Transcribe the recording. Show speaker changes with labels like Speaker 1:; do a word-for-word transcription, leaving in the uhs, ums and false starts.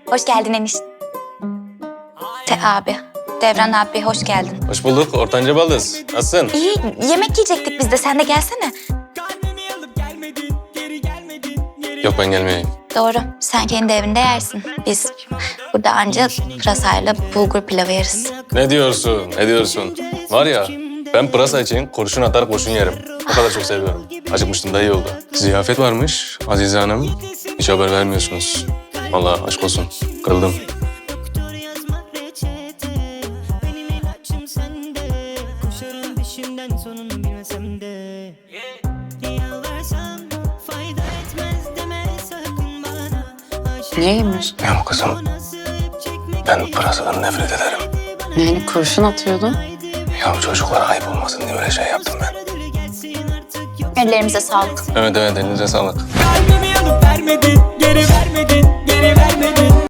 Speaker 1: Hoş geldin Eniş. Te abi, Devran abi hoş geldin.
Speaker 2: Hoş bulduk ortanca baldız. Nasılsın?
Speaker 1: İyi, yemek yiyecektik biz de. Sen de gelsene.
Speaker 2: Yok ben gelmeyeyim.
Speaker 1: Doğru, sen kendi evinde yersin. Biz burada anca pırasayla bulgur pilavı yeriz.
Speaker 2: Ne diyorsun? Ne diyorsun? Var ya ben pırasa için kurşun atar kurşun yerim. O kadar çok seviyorum. Acıkmıştım da iyi oldu. Ziyafet varmış Azize Hanım. Hiç haber vermiyorsunuz. Vallahi aşk olsun. Kırıldım.
Speaker 3: Doktor yazmak reçete, benim ilaçım sende. Koşarım peşinden sonunu bilmesem de. Yalvarsam fayda etmez deme sakın bana. Aşık
Speaker 4: Niye yemiyorsun?
Speaker 2: Ya kızım ben pırasadan nefret ederim.
Speaker 4: Yani kurşun atıyordun.
Speaker 2: Ya çocuklara ayıp olmasın diye öyle şey yaptım ben.
Speaker 1: Ellerimize sağlık.
Speaker 2: Evet evet elinize sağlık.
Speaker 3: Kalbimi alıp vermedin, geri vermedin, geri vermedin.